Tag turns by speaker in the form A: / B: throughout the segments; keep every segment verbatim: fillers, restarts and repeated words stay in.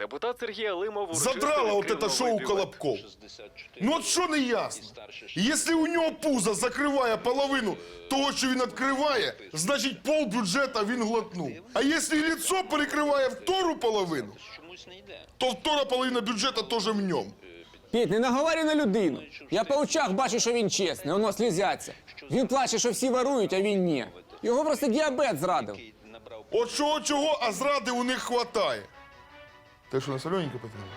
A: Депутат Сергій Алимов урочисто
B: Задрало вот
A: відкрив
B: это шоу
A: новий бюлет.
B: Колобков. Ну от що не ясно? Якщо у нього пузо закриває половину того, що він відкриває, значить пол бюджета він глотнув. А якщо лицо перекриває втору половину, то втора половина бюджету теж в ньому.
C: Петь, не наговорюй на людину. Я по очах бачу, що він чесний, воно слізяться. Він плаче, що всі ворують, а він ні. Його просто діабет зрадив.
B: От чого чого, а зради у них хватає. Те, що на солененьке потрібно?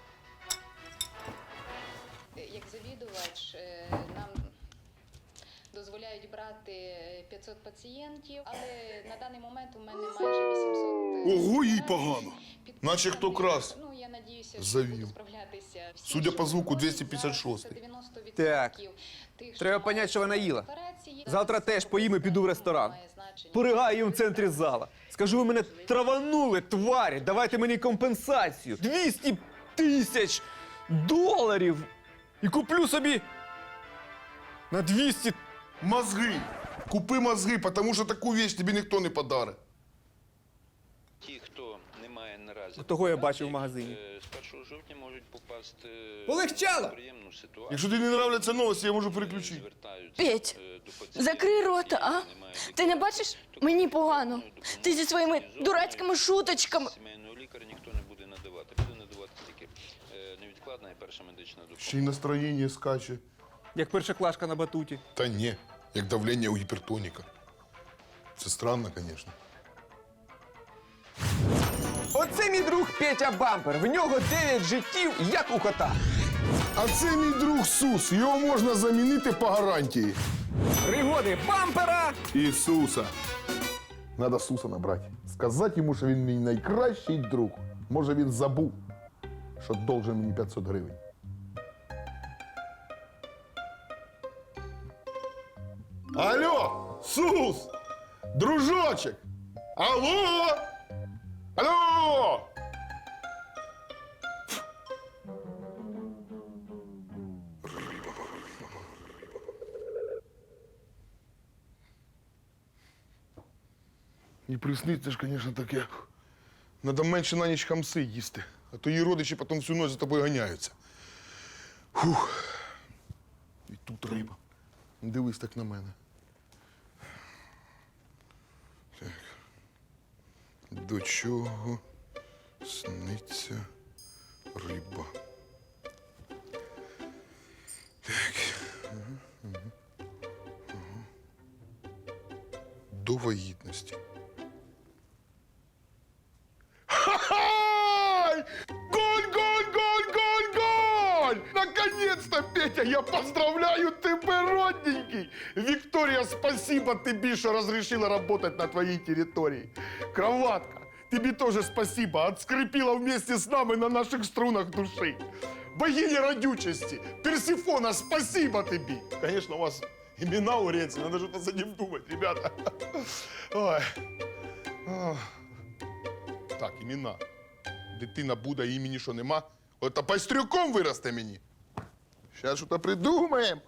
D: Як завідувач, е, нам дозволяють брати п'ятсот пацієнтів, але на даний момент у мене майже вісімсот.
B: Ого, їй погано. Наче хто крас.
D: Ну, я надіюся, що
B: Завів.
D: буду справлятися. Всі,
B: Судя
D: що
B: по звуку,
D: можуть,
B: двісті п'ятдесят шостий.
D: зараз це дев'яносто відсотків
E: Так.
D: тих, що
E: Треба
D: мають
E: понять, що вона їла.
D: операції.
E: Завтра теж поїм і піду в ресторан.
D: Має значення.
E: Поригаю їм в центрі зала. Скажу, ви мене траванули, тварі, давайте мені компенсацію. двісті тисяч доларів. І куплю собі на двісті.
B: Мозги. Купи мозги, тому що таку вещь тобі ніхто не подарить.
F: Ті, хто не має наразі...
E: Того я бачив в магазині.
F: е, З першого жовтня можуть попасти
E: Полегчало!
F: в приємну ситуацію.
B: Якщо тобі не нравляться новості, я можу переключити.
F: Звертаються,
G: Петь,
F: е, до пацієнтів,
G: закрий рота, а?
F: які не мають
G: Ти не бачиш? Мені погано. Ти зі своїми дурацькими шуточками.
F: Сімейного лікаря ніхто не буде надавати. Буде надавати тільки е, невідкладна і перша медична допомога.
B: Ще й настроєння скаче.
E: Як першоклашка на батуті.
B: Та ні, як давлення у гіпертоніка. Це странно, звісно.
E: Оце мій друг Петя Бампер. В нього дев'ять життів, як у кота.
B: А це мій друг Сус. Його можна замінити по гарантії.
E: Пригоди бампера.
B: Ісуса. Надо Суса набрати. Сказати йому, що він мій найкращий друг. Може, він забув, що должен мені п'ятсот гривень. Алло, Сус! Дружочек! Алло! Алло! І присниться ж, звісно, таке. Надо менше на ніч хамси їсти, а то її родичі потім всю ночь за тобою ганяються. Фух. І тут риба. Дивись так на мене. Так. До чого сниться риба? Так. Ага, ага, ага. До вагітності. Ха-ха! Голь, голь, голь, голь, голь! Наконец-то, Петя, я поздравляю тебя, родненький! Виктория, спасибо тебе, что разрешила работать на твоей территории. Кроватка, тебе тоже спасибо, отскрепила вместе с нами на наших струнах души. Богиня родючести, Персифона, спасибо тебе! Конечно, у вас имена у Ренци, надо что-то за ним думать, ребята. Ой. Ох. Так, імена. Дитина буде, імені що нема. Ото пайстрюком виросте мені. Зараз щось придумаємо.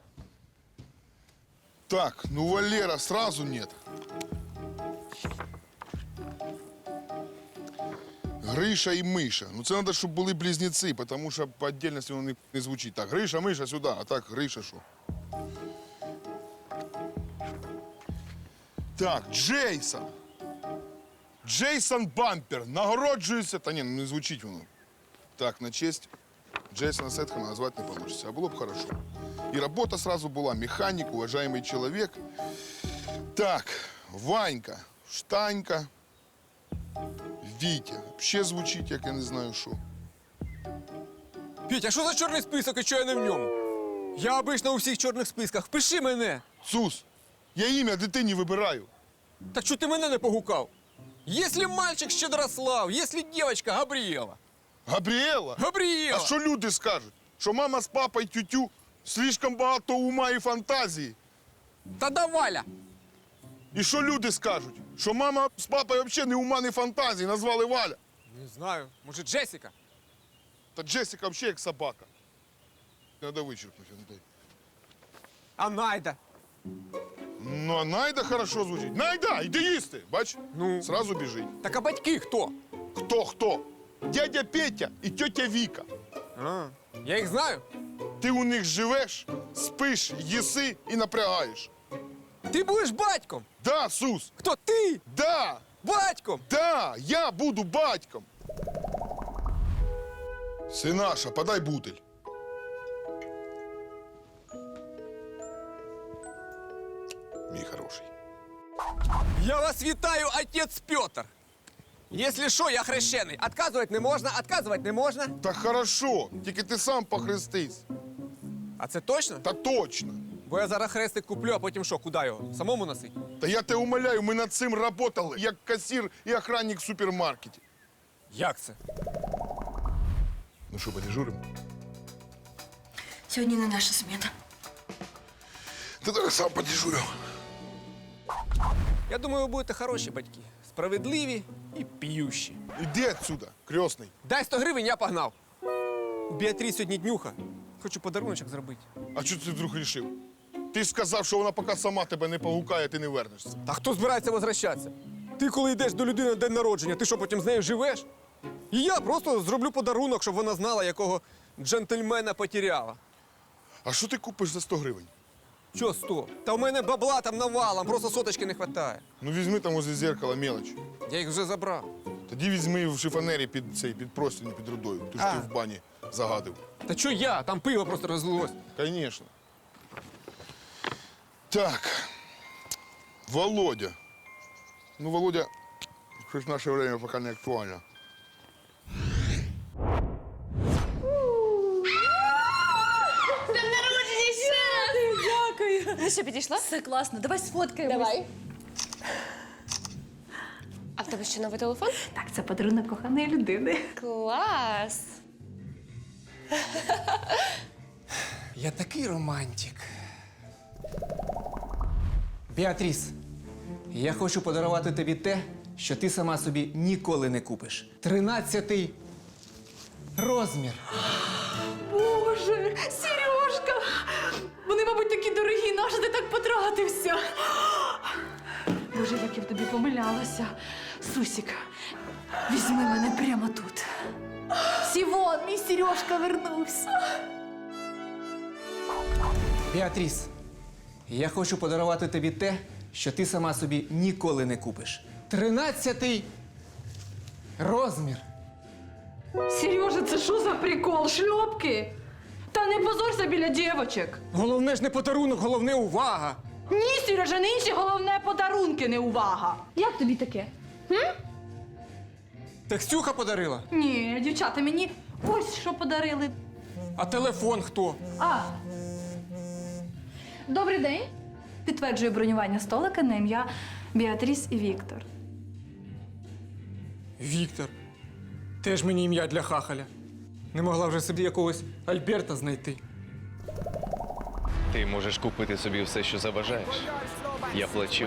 B: Так, ну Валера сразу нет. Гриша і Миша. Ну це треба, щоб були близнеці, тому що по віддільності воно не, не звучить. Так, Гриша, Миша сюди, а так Гриша що? Так, Джейсон. Джейсон Бампер. Нагороджується. Та ні, ну не звучить воно. Так, на честь Джейсона Сетхема назвати не вийде. А було б хорошо. І робота сразу була. Механік, уважаемый чоловік. Так, Ванька, Штанька, Вітя. Ще звучить, як я не знаю що.
E: Петя, а що за чорний список і що я не в ньому? Я обично у всіх чорних списках. Впиши мене.
B: Сус, я ім'я дитині вибираю.
E: Так що ти мене не погукав? Если мальчик Щедрослав, если девочка Габрієва.
B: Габріела?
E: Габрієва!
B: А що люди скажуть? Що мама з папою тютю слишком багато ума і фантазії.
E: Та да Валя!
B: І що люди скажуть? Що мама з папою взагалі не ума, не фантазії, назвали Валя.
E: Не знаю, може Джесіка?
B: Та Джесіка взагалі як собака. Треба вичерпнути.
E: А Найда?
B: Ну, а Найда хорошо звучить. Найда, йди їсти, бач?
E: Ну?
B: Сразу біжить.
E: Так а батьки хто?
B: Хто, хто? Дядя Петя і тетя Віка.
C: А, я їх знаю.
B: Ти у них живеш, спиш, їси і напрягаєш.
C: Ти будеш батьком.
B: Да, Сус,
C: Хто ти?
B: да,
C: Батьком.
B: да, я буду батьком. Синаша, подай бутиль. Мій хороший.
C: Я вас вітаю, отець Петр. Якщо що, я хрещений. Отказувати не можна, отказувати не можна.
B: Та хорошо, тільки ти сам похрестись.
C: А це точно?
B: Та точно.
C: Бо я зараз хрестик куплю, а потім що, куди його? Самому носить?
B: Та я тебе умоляю, ми над цим працювали, як касір і охранник в супермаркеті.
C: Як це?
B: Ну що, подежуримо?
G: Сьогодні не наша сміна.
B: Ти так сам подежурю.
C: Я думаю, ви будете хороші батьки. Справедливі і п'ющі.
B: Іди отсюда, крестний.
C: Дай сто гривень, я погнав. У Біатрі сьогодні днюха. Хочу подаруночок зробити.
B: А чого ти вдруг рішив? Ти ж сказав, що вона поки сама тебе не погукає, ти не вернешся.
C: Та хто збирається возвращатися? Ти коли йдеш до людини на день народження, ти що, потім з нею живеш? І я просто зроблю подарунок, щоб вона знала, якого джентльмена потеряла.
B: А що ти купиш за сто гривень?
C: Чо сто? Та в мене бабла там навалом, просто соточки не вистачає.
B: Ну візьми там возле зеркала мелоч.
C: Я їх вже забрав.
B: Тоді візьми в шифонері під цей під простінь, під рудою. Ти ж
C: А.
B: ти в бані загадив.
C: Та чо я? Там пиво просто розлилось.
B: Конечно. Так. Володя. Ну, Володя, щось в наше время поки не актуально.
G: Дякую. Ну що, підійшла? Все класно. Давай сфоткаємось.
A: Давай. А в тебе ще новий телефон?
G: Так, це подарунок коханої людини.
A: Клас!
C: Я такий романтик. Біатріс, я хочу подарувати тобі те, що ти сама собі ніколи не купиш. Тринадцятий розмір.
G: Боже, Сережка! Вони, мабуть, такі дорогі, нащо ти так потратився? Боже, як я в тобі помилялася. Сусік, візьми мене прямо тут. Сівон, мій Сережка вернувся.
C: Біатріс, я хочу подарувати тобі те, що ти сама собі ніколи не купиш. Тринадцятий розмір.
G: Сережа, це що за прикол? Шльопки? Та не позорся біля дівочок.
C: Головне ж не подарунок, головне увага.
G: Ні, Сережа, нині головне подарунки, не увага. Як тобі таке?
C: Так Ксюха подарила.
G: Ні, дівчата, мені ось що подарили.
C: А телефон хто?
G: А. Добрий день. Підтверджую бронювання столика на ім'я Біатріс і Віктор.
C: Віктор. Теж мені ім'я для хахаля. Не могла вже собі якогось Альберта знайти.
H: Ти можеш купити собі все, що забажаєш. Я плачу.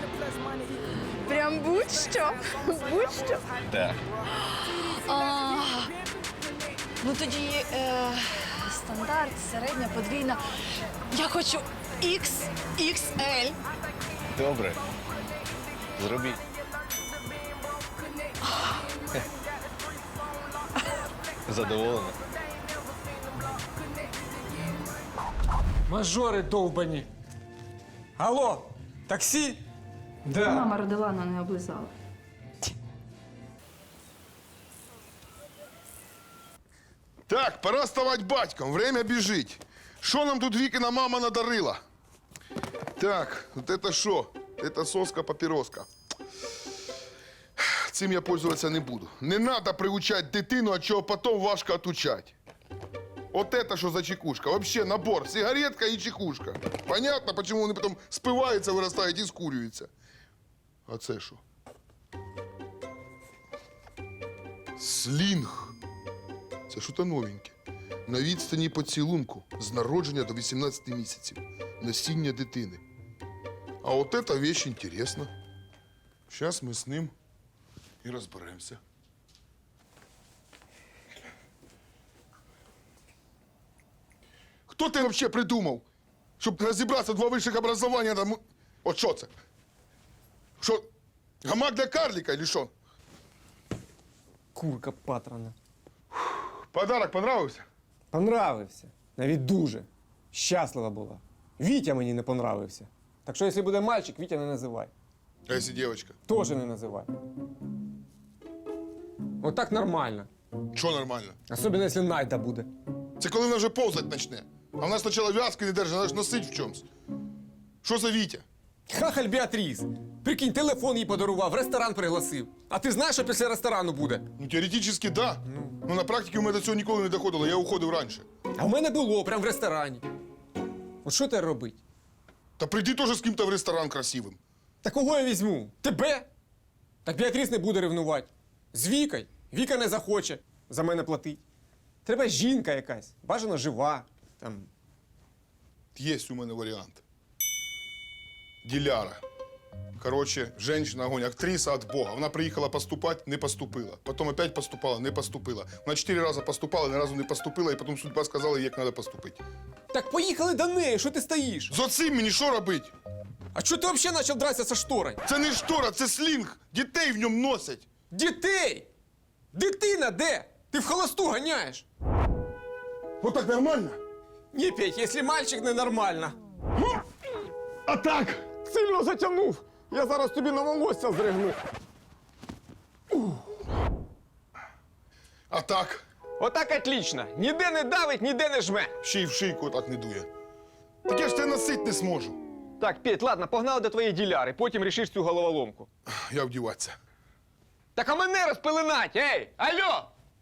A: Прям будь-що. Будь-що.
H: Так.
G: А, ну тоді е, стандарт, середня, подвійна. Я хочу ікс ікс ель.
H: Добре. Зробіть. Задоволена?
C: Мажори довбані. Алло, таксі? Да.
G: Мама родила, але не облизала.
B: Так, пора ставати батьком, время біжить. Що нам тут Вікина мама надарила? Так, вот это що? Это соска-папіроска. Цим я пользуватися не буду. Не треба приучати дитину, а чого потім важко отучать. Вот это що за чекушка? Вообще набор, сигаретка і чекушка. Понятно, почему вони потім спиваються, виростають і скурюються. А це що? Слінг. Це що-то новеньке. На відстані поцілунку з народження до вісімнадцяти місяців. Насіння дитини. А от эта вещь интересна. Сейчас ми з ним і розберемося. Хто ти вообще придумав, щоб розібратися два вищих образування там? От що це? Що? Гамак для карлика, или що?
C: Курка патрона.
B: Подарок понравився?
C: Понравився. Навіть дуже. Щаслива була. Вітя мені не понравився. Так що, якщо буде мальчик, Вітя не називай.
B: А якщо дівчинка?
C: Тоже не називай. Отак нормально.
B: Що нормально?
C: Особливо, якщо Найда буде.
B: Це коли вона вже повзать почне. А вона спочатку в'язки не держить, вона ж носить в чомусь. Що за Вітя?
C: Хахаль Біатріс. Прикинь, телефон їй подарував, в ресторан пригласив. А ти знаєш, що після ресторану буде?
B: Ну, теоретично, да. Ну, на практиці у мене до цього ніколи не доходило, я уходив раніше.
C: А в мене було, прямо в ресторані. От що тепер робити?
B: Та прийди теж з ким-то в ресторан красивим.
C: Та кого я візьму? Тебе? Так Біатріс не буде ревнувати. З Вікою. Віка не захоче за мене платить. Треба жінка якась, бажано жива. Там.
B: Є у мене варіант. Диляра. Короче, женщина, огонь, актриса от Бога. Вона приїхала поступати, не поступила. Потім опять поступала, не поступила. Вона чотири рази поступала, ні разу не поступила, і потім судьба сказала, як треба поступити.
C: Так поїхали до неї, що ти стоїш?
B: З оцим мені що робити?
C: А чого ти взагалі почав дратися зі шторою?
B: Це не штора, це слінг. Дітей в ньому носять.
C: Дітей! Дитина де? Ти в холосту ганяєш.
B: Вот так нормально?
C: Ні, Петь, якщо мальчик ненормально.
B: А так?
C: Сильно затягнув. Я зараз тобі на волосся зригну.
B: А так?
C: Отак отлично. Ніде не давить, ніде не жме.
B: Ще й в шийку так не дує. Так я ж тебе носить не зможу.
C: Так, Петь, ладно, погнали до твоєї діляри, потім рішиш цю головоломку.
B: Я вдіватися.
C: Так а мене розпеленать, ей! Алло!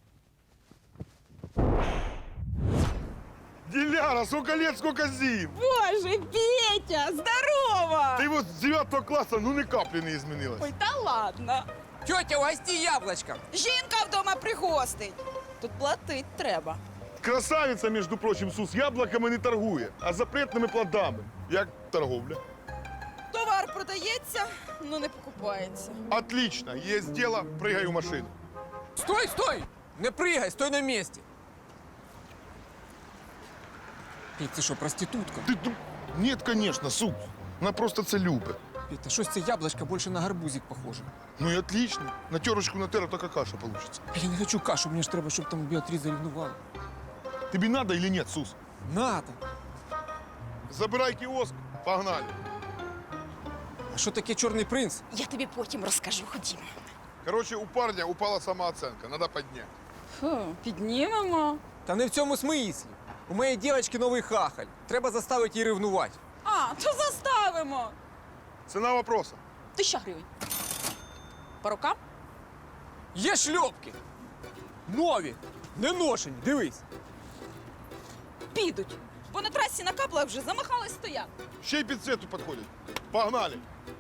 B: Диляра, сколько лет, сколько зим.
I: Боже, Петя, здорово!
B: Ти от з дев'ятого класу, ну, ні каплі не змінилась.
I: Ой, та ладно.
C: Тьотя, угости яблочко.
I: Жінка вдома пригостить. Тут платить треба.
B: Красавиця, між прочим, Сус, яблуками не торгує, а запретними плодами. Як торговля?
I: Товар продається, ну не покупається.
B: Отлично, є діло, пригай у машину.
C: Стой, стой! Не пригай, стой на місці. Петь, ти що, проститутка?
B: Ти, ду- Нет, конечно, Сус. Вона просто це любить.
C: Петь, та щось це яблочко більше на гарбузик похоже.
B: Ну і отлично. На терочку на тера така каша получится.
C: Я не хочу кашу, мені ж треба, щоб там Біатріс зарівнувала.
B: Тобі надо или нет, Сус?
C: Надо.
B: Забирай кіоск, погнали.
C: А що таке чорний принц?
I: Я тобі потім розкажу, ходімо.
B: Короче, у парня упала самооценка, надо підняти.
I: Фу, піднімемо.
C: Та не в цьому смислі. У моєї дівчинки новий хахаль. Треба заставити її ревнувати.
I: А, то заставимо.
B: Ціна вопроса.
I: Тисяча гривень. По рукам?
C: Є шльопки. Нові. Не ношені, дивись.
I: Підуть. Бо на трасі на каплах вже замахались стояти.
B: Ще й під цвету підходять. Погнали.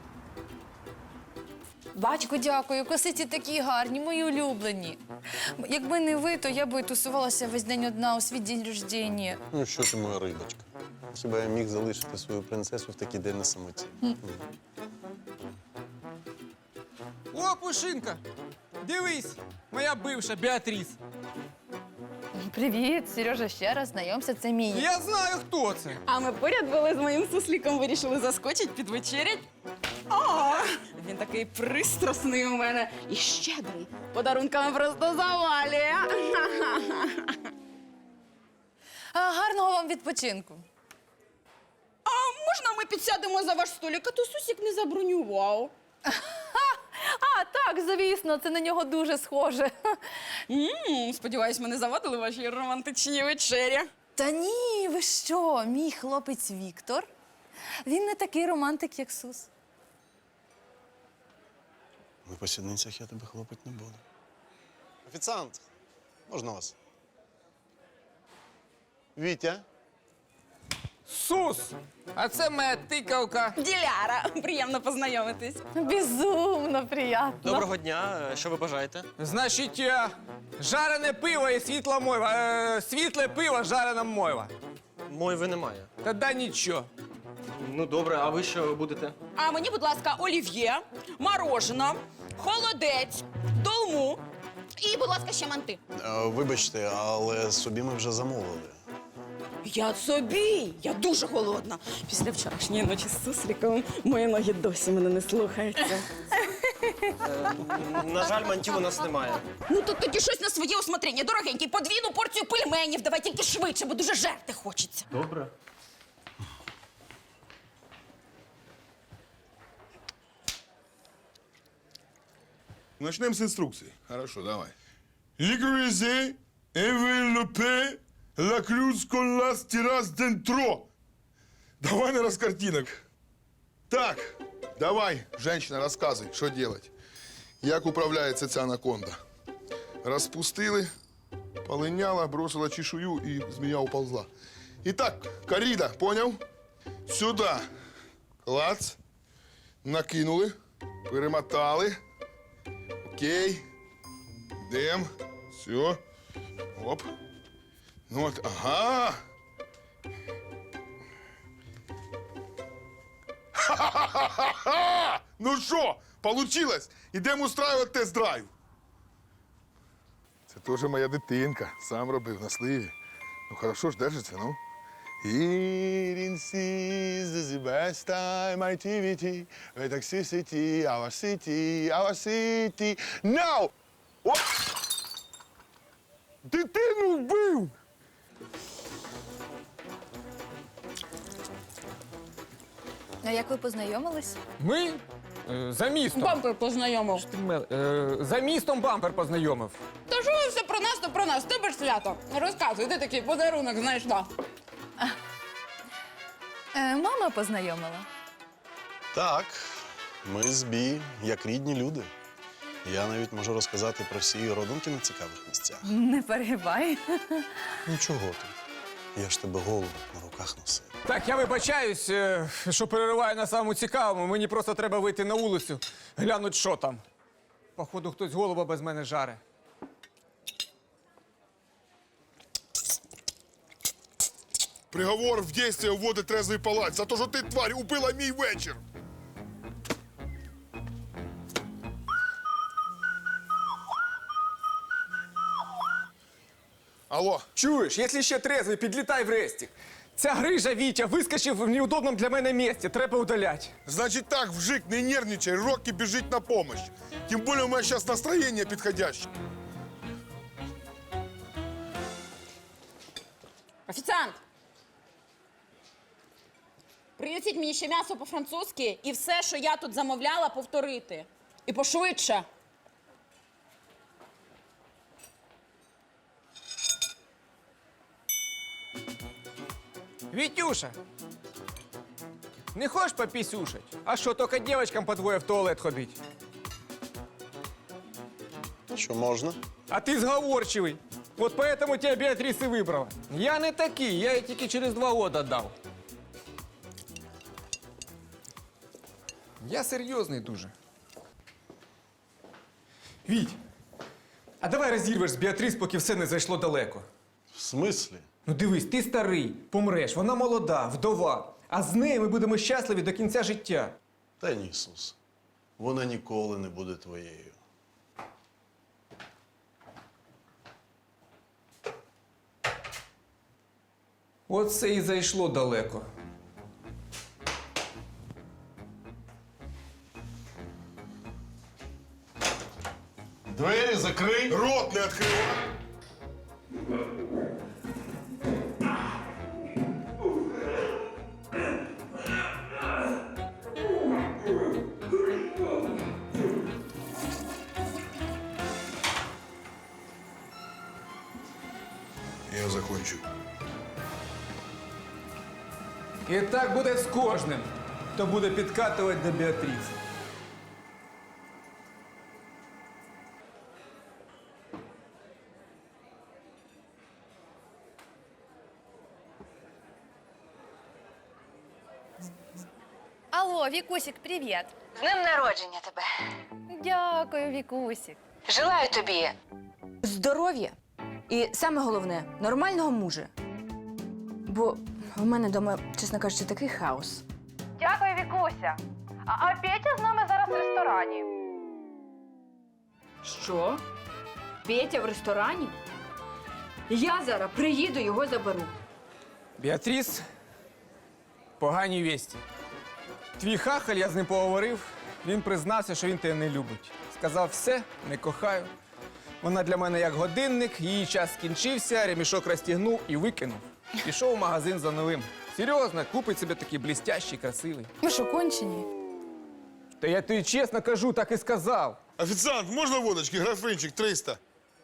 J: Батько, дякую, косиці такі гарні, мої улюблені. Якби не ви, то я би тусувалася весь день одна у свій день рождення.
K: Ну що ти, моя рибочка? Хіба я міг залишити свою принцесу в такий день на самоті?
C: О, Пушинка! Дивись, моя бивша Біатріс.
J: Привіт, Сережа, ще раз знайомся, це мій.
C: Я знаю, хто це.
I: А ми поряд були з моїм сусліком, вирішили заскочить, підвечерять. О, він такий пристрасний у мене і щедрий. Подарунками просто завалює.
J: А, гарного вам відпочинку.
I: А можна ми підсядемо за ваш столик, а то Сусік не забронював.
J: А, так, звісно, це на нього дуже схоже.
I: М, Сподіваюсь, ми не завадили вашій романтичній вечері.
J: Та ні, ви що, мій хлопець Віктор, він не такий романтик, як Сус.
K: На посідницях я тебе хлопати не буду. Офіціант, можна вас? Вітя?
C: Сус! А це моя тикавка.
I: Диляра, приємно познайомитись.
J: Безумно приємно.
L: Доброго дня. Що ви бажаєте?
C: Значить, е, жарене пиво і світла мойва. Е, світле пиво, жарена мойва.
L: Мойви немає.
C: Та да нічого.
L: Ну добре, а ви що будете?
I: А мені, будь ласка, олів'є, морожено, холодець, долму і, будь ласка, ще манти.
K: Е, вибачте, але собі ми вже замовили.
I: Я собі, я дуже голодна. Після вчорашньої ночі з сусліком мої ноги досі мене не слухаються.
L: На жаль, мантів у нас немає.
I: Ну тут тоді щось на своє усмотрення. Дорогенький, подвійну порцію пельменів. Давай тільки швидше, бо дуже жерти хочеться.
L: Добре.
B: Начнем с инструкции. Хорошо, давай. Ликвизе, эвелопе, лаклюз коллас тирас дентро. Давай, наверное, с картинок. Так, давай, женщина, рассказывай, что делать. Як управляється ця анаконда? Розпустили, полиняла, бросила чешую і змія уползла. Итак, коррида, понял? Сюда. Клац. Накинули, перемотали. Окей. Йдем. Все. Оп. Ну от, ага. Ха-ха-ха-ха-ха! Ну що, получилось? Ідемо устраивати тест-драйв. Це теж моя дитинка. Сам робив на сливі. Ну, хорошо ж держиться, ну. Here in seas is the best time activity. We taxi city, our city, our city. Now! Оп! Дитину вбив!
J: А як ви познайомились?
C: Ми е, за містом.
I: Бампер познайомив.
C: Е, за містом бампер познайомив.
I: Та що ви все про нас, то про нас. Тебе ж свято. Розказуй, де такий подарунок знайшла?
J: Е, мама познайомила.
K: Так, ми з Бі, як рідні люди. Я навіть можу розказати про всі її родинки на цікавих місцях.
J: Не перегибай.
K: Ну чого ти? Я ж тебе голову на руках носив.
C: Так, я вибачаюсь, е, що перериваю на самому цікавому. Мені просто треба вийти на вулицю, глянуть, що там. Походу, хтось голуба без мене жаре.
B: Приговор в действие вводить трезвий палач за те, що ти, тварь, убила мій вечір. Алло.
C: Чуєш, якщо ще трезвий, підлітай в рестик. Ця грижа Вітя вискочив в неудобному для мене місці, треба удаляти.
B: Значит так, вжик, не нервничай, Рокки бежит на помощь. Тем более у меня сейчас настроение подходящее.
I: Офіціант! Принесіть мені ще м'ясо по-французьки і все, що я тут замовляла, повторити. І пошвидше.
C: Вітюша, не хочеш попісюшать? А що, тільки дівчатам по двоє в туалет ходить?
K: Ну що, можна?
C: А ти зговорчивий. От поэтому тебя Біатріс і вибрала. Я не такий, я її тільки через два года дав. Я серйозний дуже. Віть, а давай розірвеш з Біатріс, поки все не зайшло далеко.
K: В смислі?
C: Ну дивись, ти старий, помреш, вона молода, вдова. А з нею ми будемо щасливі до кінця життя.
K: Та ні, Ісус. Вона ніколи не буде твоєю.
C: Оце і зайшло далеко.
K: Двері закрий!
B: Рот не открывай! Я закончу.
C: І так буде з кожним, хто буде підкатувати до Біатріс.
J: Алло, Вікусік, привіт.
M: З днем народження тебе.
J: Дякую, Вікусік.
M: Желаю тобі здоров'я і саме головне нормального мужа. Бо в мене вдома, чесно кажучи, такий хаос.
G: Дякую, Вікуся. А, а Петя з нами зараз в ресторані.
I: Що? Петя в ресторані? Я зараз приїду, його заберу.
C: Біатріс, погані вісті. Твій хахаль, я з ним поговорив, Він признався, що він тебе не любить. Сказав, все, не кохаю. Вона для мене як годинник, її час скінчився, ремішок розтягнув і викинув. Пішов в магазин за новим. Серйозно, купить собі такий блістящий, красивий.
J: Ви що, кончені?
C: Та я тобі чесно кажу, так і сказав.
B: Офіціант, можна водочки? Графинчик триста.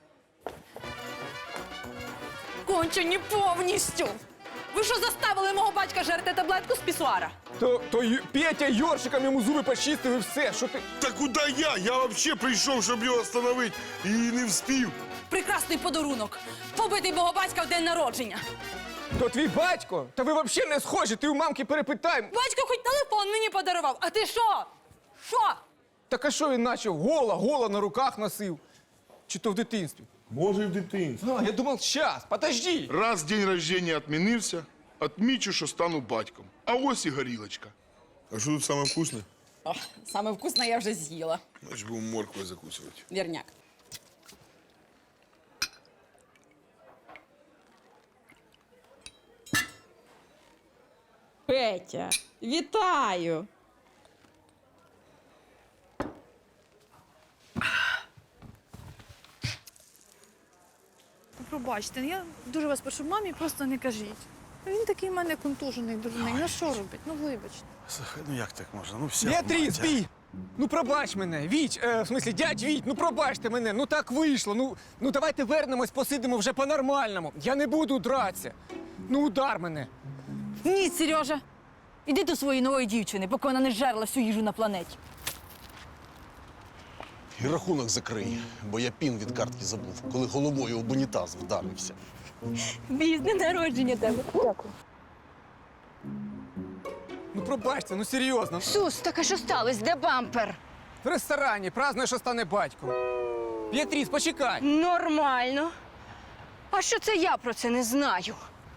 G: Кончені повністю! Ви що заставили мого батька жерти таблетку з пісуара?
C: То, то Ю- Петя Йоршиком йому зуби почистив і все. Що ти?
B: Та куди я? Я взагалі прийшов, щоб його остановити, і не вспів.
G: Прекрасний подарунок! Побитий мого батька в день народження!
C: То твій батько? Та ви взагалі не схожі, ти у мамки перепитай.
G: Батько хоч телефон мені подарував, а ти що? Що?
C: Так а що він наче гола, гола на руках носив? Чи то в дитинстві?
B: Може, і в дитинстві.
C: А, я думав, щас, подожди.
B: Раз день рождения відмінився, отмічу, що стану батьком. А ось і горілочка. А що тут саме вкусне?
I: Ох, саме вкусне я вже з'їла.
B: Значить, будемо морквою закусувати.
I: Вірняк. Петя, вітаю!
J: Пробачте, я дуже вас прошу, мамі просто не кажіть. Він такий в мене контужений, дурний. Ну що робить? Ну вибачте.
K: Слухай, ну як так можна? Ну все.
C: Біатріс, бій! Ну пробач мене, Віч, е, в смислі, дядь Віть, ну пробачте мене, ну так вийшло. Ну, ну давайте вернемось, посидимо вже по-нормальному. Я не буду дратися. Ну удар мене.
J: Ні, Сережа. Іди до своєї нової дівчини, поки вона не жерла всю їжу на планеті.
K: І рахунок закрий, бо я пін від картки забув, коли головою об унітаз вдарився.
J: Віз, день народження тебе. Дякую.
C: Ну пробачте, ну серйозно.
M: Сус, так а що сталося? Де бампер?
C: В ресторані празднує, що стане батьком. Біатріс, почекай.
M: Нормально. А що це я про це не знаю?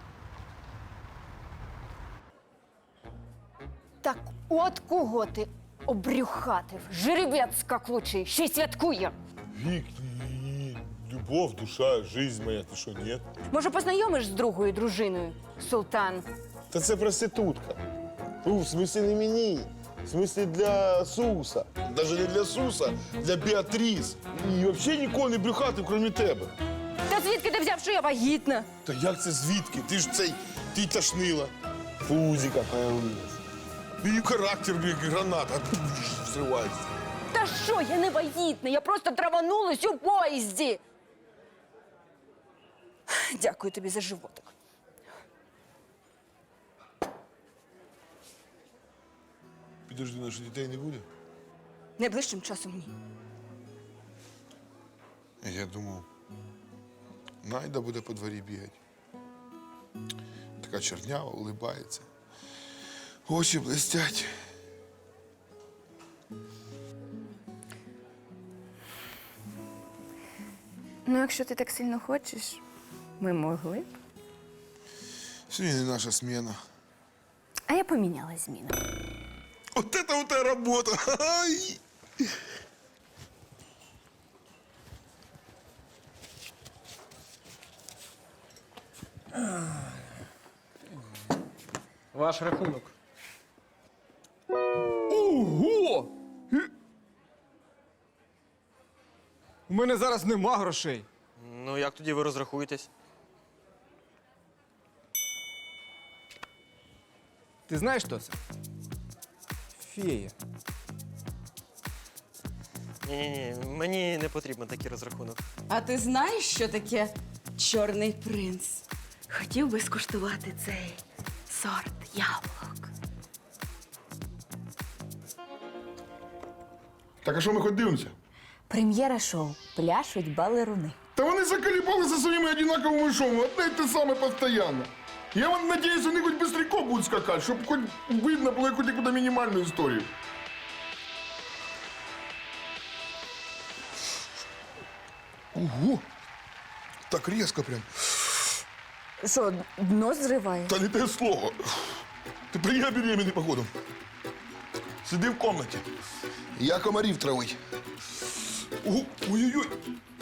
M: Так от кого ти обрюхатив? Жеребець скаклучий, ще й святкує.
B: Вік, любов, душа, жизнь моя, ти що, ні?
M: Може, познайомиш з другою дружиною, султан?
B: Та це проститутка. Ну, в смислі не мені. В смислі для Суса. Навіть не для Суса, для Біатріс. І взагалі нікого не брюхати, крім тебе.
M: Та звідки ти взяв, що я вагітна?
B: Та як це звідки? Ти ж цей, ти тошнила. Фузика появилась. І характер, як граната, взривається.
M: Та що, я не вагітна, я просто траванулась у поїзді. Дякую тобі за животик.
B: Підожди, наших дітей не буде?
M: Найближчим часом ні.
B: Я думав, Найда буде по дворі бігати. Така чорнява, улибається. Очі блестять.
M: Ну, якщо ти так сильно хочеш, ми могли б.
B: Сьогодні не наша смена.
M: А я поміняла зміну.
B: Вот это вот работа! Ай!
L: Ваш рахунок.
C: Ого! У мене зараз нема грошей.
L: Ну, як тоді ви розрахуєтесь?
C: Ти знаєш, що це? Фея.
L: Ні-ні-ні, мені не потрібен такий розрахунок.
I: А ти знаєш, що таке чорний принц? Хотів би скуштувати цей сорт яблук.
B: Так, а що ми хоч дивимося?
M: Прем'єра шоу. Пляшуть балеруни.
B: Та вони заколебали за своїми одинаковими шоу, одне й те саме постійно. Я вот надеюсь, вони хоч быстренько будуть скакати, щоб хоч видно було якусь якусь мінімальну історію. Ого! Так різко прям.
M: Що, дно зриває?
B: Та не те слово. Ти прийняв беременний, походу. Сиди в комнаті. Я комарів травить. Ого, ой-ой-ой.